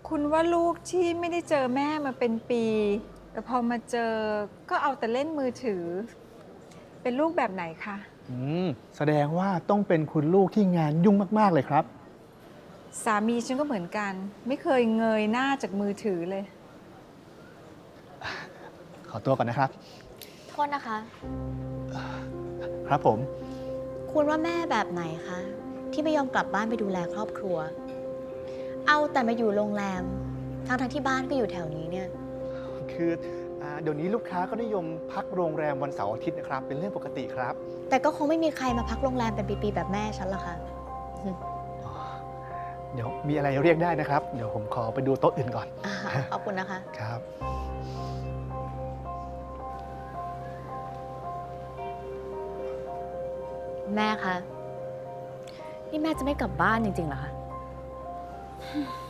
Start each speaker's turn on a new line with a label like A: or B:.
A: คุณว่าลูกที่ไม่ได้เจอแม่มาเป็นปี แต่พอมาเจอก็เอาแต่เล่นมือถือ เป็นลูกแบบไหนคะ
B: แสดงว่าต้องเป็นคุณลูกที่งานยุ่งมากๆเลยครับ
A: สามีฉันก็เหมือนกัน ไม่เคยเงยหน้าจากมือถือเลย
B: ขอตัวก่อนนะครับ
C: โทษนะคะ
B: ครับผม
C: คุณว่าแม่แบบไหนคะ ที่ไม่ยอมกลับบ้านไปดูแลครอบครัว เอาแต่มาอยู่โรงแรมทั้งที่บ้านก็อยู่แถวนี้เนี่ย
B: คือเดี๋ยวนี้ลูกค้าก็นิยมพักโรงแรมวันเสาร์อาทิตย์นะครับ เป็นเรื่องปกติครับ
C: แต่ก็คงไม่มีใครมาพักโรงแรมเป็นปีๆแบบแม่ฉันหรอกค่ะ
B: เดี๋ยวมีอะไรเรียกได้นะครับ เดี๋ยวผมขอไปดูโต๊ะอื่นก่อน
C: ขอบคุณนะคะ
B: ครับ
C: แม่คะ นี่แม่จะไม่กลับบ้านจริงๆเหรอคะ